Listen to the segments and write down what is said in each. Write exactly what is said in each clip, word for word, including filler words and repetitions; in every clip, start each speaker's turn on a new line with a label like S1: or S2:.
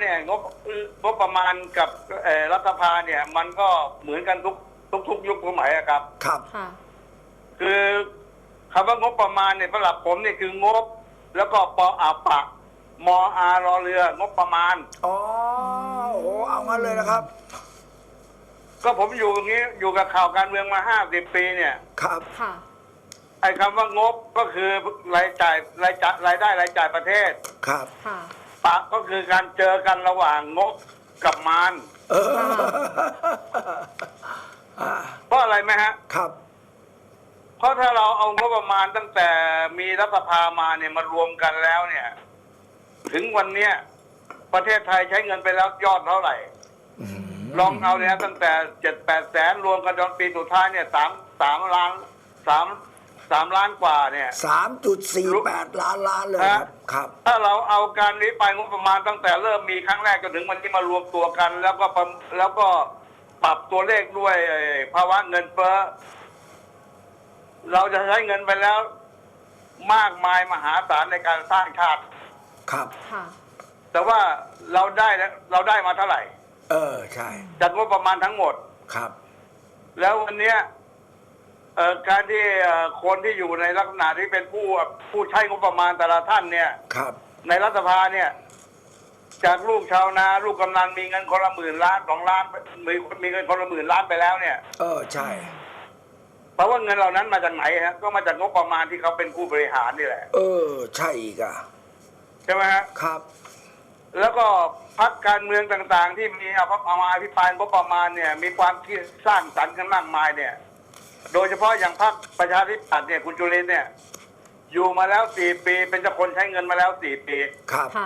S1: เนี่ยงบงบประมาณกับเอ่อรัฐสภาเนี่ย มันก็เหมือนกันทุกทุกทุกยุคสมัยอะครับ
S2: ครับ
S3: ค่ะ
S1: คือคำว่างบประมาณเนี่ยสำหรับผมเนี่ยคืองบ แล้วก็ปออาปะมออารอเรืองบประมาณ
S2: อ๋อโอ้เอางั้นเลยนะครับ
S1: ก็ผมอยู่อย่างนี้อยู่กับข่าวการเมืองมาห้าสิบปีเนี่ย
S2: ครับ
S3: ค่ะ
S1: ไอ้คำว่างบก็คือรายจ่ายรายจ่ายรายได้รายจ่ายประเทศ
S2: ครับ
S3: ค่ะ
S1: ปะก็คือการเจอกันระหว่างงบกับมาร
S2: เอออ่า
S1: เพราะอะไรไหมฮะ
S2: ครับ
S1: เพราะถ้าเราเอางบประมาณตั้งแต่มีรัฐสภามาเนี่ยมารวมกันแล้วเนี่ย ถึงวันเนี้ยประเทศไทยใช้เงินไปแล้วยอดเท่าไหร่
S2: อืม
S1: ลองเอาเนี่ยตั้งแต่เจ็ดแปดแสนรวมกันจนปีสุดท้ายเนี่ยสามสามล้านสามสามล้านกว่าเนี่ย
S2: สามจุดสี่แปดล้านล้านเลยครับ ครับ
S1: ถ้าเราเอาการนี้ไปงบประมาณตั้งแต่เริ่มมีครั้งแรกจนถึงวันที่มารวมตัวกัน แล้วก็ประแล้วก็ปรับตัวเลขด้วยภาวะเงินเฟ้อเราจะใช้เงินไปแล้วมากมายมหาศาลในการสร้างชาติ
S2: ครับ
S3: ค่ะ
S1: แต่ว่าเราได้เราได้มาเท่าไหร่
S2: เออ ใช่
S1: จากงบประมาณทั้งหมด
S2: ครับ
S1: แล้ววันเนี้ยเอ่อการที่เอ่อคนที่อยู่ในลักษณะที่เป็นผู้ผู้ใช้งบประมาณแต่ละท่านเนี่ย
S2: ครับ
S1: ในรัฐสภาเนี่ย จากลูกชาวนาลูกกำนันมีเงินคนละหมื่นล้านสองล้านมีมีเงินคนละหมื่นล้านไปแล้วเนี่ย
S2: เออ ใช่
S1: เพราะว่าเงินเหล่านั้นมาจากไหนฮะก็มาจากงบประมาณที่เขาเป็นผู้บริหารนี่แหละ
S2: เออ ใช่อีกอ่ะ
S1: ใช่ไหมฮะ
S2: ครับ
S1: แล้วก็พรรคการเมืองต่างๆ ที่มีเอาเอามาอภิปรายงบประมาณเนี่ย มีความคิดสร้างสรรค์กันมากมายเนี่ย โดยเฉพาะอย่างพรรคประชาธิปัตย์เนี่ยคุณจุลินทร์เนี่ย อยู่มาแล้วสี่ปีเป็นเจ้าคนใช้เงินมาแล้วสี่ปี
S2: ครับ
S3: ค่ะ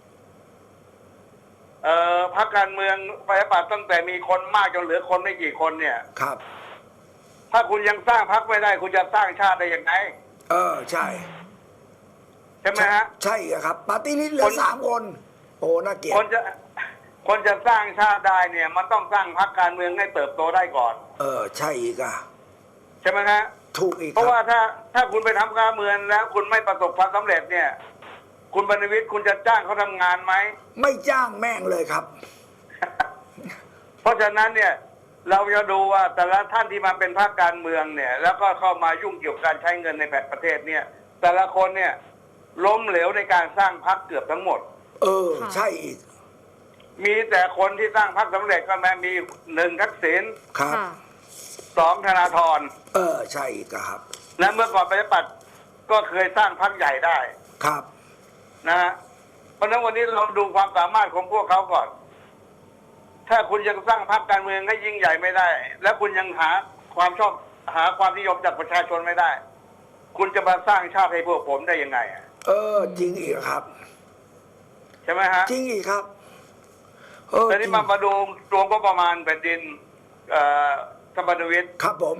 S1: เอ่อพรรคการเมืองประชาธิปัตย์ตั้งแต่มีคนมากจนเหลือคนไม่กี่คนเนี่ย
S2: ครับ
S1: ถ้าคุณยังสร้างพรรคไม่ได้ คุณจะสร้างชาติได้ยังไง
S2: เออ ใช่
S1: ใช่ไหมฮะ
S2: ใช่อะครับ ปาร์ตี้ลิสต์เหลื
S1: ค
S2: อน สามคน โอ้ น่าเกลียด
S1: คนจะคนจะสร้างชาติได้เนี่ย มันต้องสร้างพรรคการเมืองให้เติบโตได้ก่อน
S2: เออ ใช่อีกอ่ะ
S1: ใช่ไหมฮะ
S2: ถูกอีก
S1: เพราะ
S2: ค
S1: ว่า
S2: รับ
S1: ถ้าถ้าคุณไปทำการเมืองแล้ว คุณไม่ประสบความสำเร็จเนี่ย คุณบรรณวิทย์คุณจะจ้างเขาทำงานไหม
S2: ไม่จ้างแม่งเลยครับ
S1: เพราะฉะนั้นเนี่ย เราจะดูว่าแต่ละท่านที่มาเป็นพรรคการเมืองเนี่ย แล้วก็เข้ามายุ่งเกี่ยวกับการใช้เงินในแผ่นประเทศเนี่ย แต่ละคนเนี่ย ล้มเหลวในการสร้างพรรคเกือบทั้งหมด
S2: เออ
S3: ค่ะ
S2: ใช่อีก
S1: มีแต่คนที่สร้างพรรคสำเร็จก็แม้มีหนึ่งทักษิณ
S2: ครับ
S3: ค่ะ
S1: สองธนาธร
S2: เออ ใช่อีกอะครับ
S1: และเมื่อก่อนประชาธิปัตย์ก็เคยสร้างพรรคใหญ่ได้
S2: ครับ
S1: นะฮะเพราะฉะนั้นวันนี้เราดูความสามารถของพวกเขาก่อน ถ้าคุณยังสร้างพรรคการเมืองให้ยิ่งใหญ่ไม่ได้ และคุณยังหาความชอบหาความนิยมจากประชาชนไม่ได้ คุณจะมาสร้างชาติให้พวกผมได้ยังไงอะ
S2: เออ จริงอีกครับ
S1: ใช่ไหมฮะ
S2: จริงอีกครับ เออ
S1: ตอน
S2: จ
S1: นี้
S2: ริง
S1: มามาดูรวมก็ประมาณแผ่นดินเอ่อธรรมนวิทย์
S2: ครับผม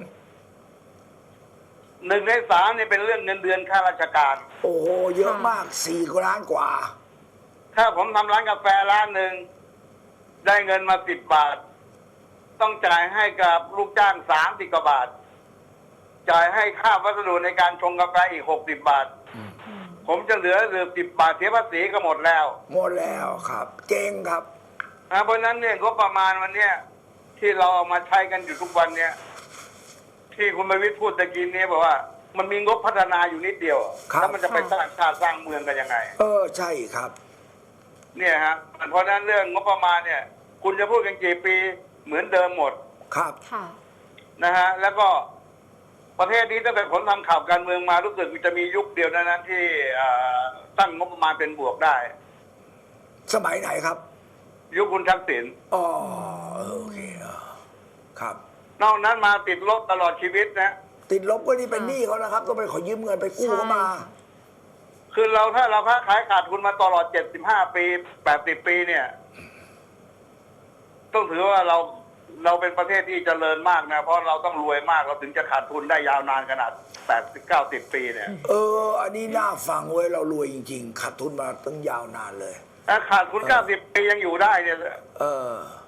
S1: หนึ่งในสามเนี่ยเป็นเรื่องเงินเดือนข้าราชการ
S2: โอ้โห เยอะมากสี่ล้านกว่า
S1: ถ้าผมทำร้านกาแฟร้านหนึ่งได้เงินมาสิบบาท ต้องจ่ายให้กับลูกจ้างสามสิบกว่าบาท จ่ายให้ค่าวัสดุในการชงกาแฟอีกหกสิบบาท
S3: อืม
S1: ผมจะเหลือเหลือสิบบาทเสียภาษีก็หมดแล้ว
S2: หมดแล้วครับ เจ๊งครับ
S1: นะเพราะฉะนั้นเนี่ยงบประมาณวันเนี้ยที่เราเอามาใช้กันอยู่ทุกวันเนี่ยที่คุณประวิตรพูดตะกี้นี้บอกว่า มันมีงบพัฒนาอยู่นิดเดียว
S2: ครับ
S1: แล้วมันจะไปสร้างชาติสร้างเมืองกันยังไง
S2: เออ ใช่ครับ
S1: เนี่ยฮะเพราะฉะนั้นเรื่องงบประมาณเนี่ย คุณจะพูดกันกี่ปีเหมือนเดิมหมด
S2: ครับ
S3: ค่ะ
S1: นะฮะแล้วก็ประเทศนี้ตั้งแต่ผมทำข่าวการเมืองมารู้สึกจะมียุคเดียวนั้นนะที่เอ่อตั้งงบประมาณเป็นบวกได้
S2: สมัยไหนครับ
S1: ยุคคุณทักษิณ
S2: อ๋อเออโอเคเออครับ
S1: นอกนั้นมาติดลบตลอดชีวิตนะ
S2: ติดลบก็นี่เป็นหนี้เขานะครับ ต้องไปขอยืมเงินไปกู้เขามา
S1: คือเราถ้าเราค้าขายขาดทุนมาตลอดเจ็ดสิบห้าปีแปดสิบปีเนี่ย ต้องถือว่าเราเราเป็นประเทศที่เจริญมากนะเพราะเราต้องรวยมากเราถึงจะขาดทุนได้ยาวนานขนาดแปดสิบเก้าสิบปีเนี่ย
S2: เออ อันนี้น่าฟังเว้ยเรารวยจริงๆขาดทุนมาตั้งยาวนานเลย
S1: ถ้าขาดทุนเก้าสิบปียังอยู่ได้เนี่ย
S2: เออ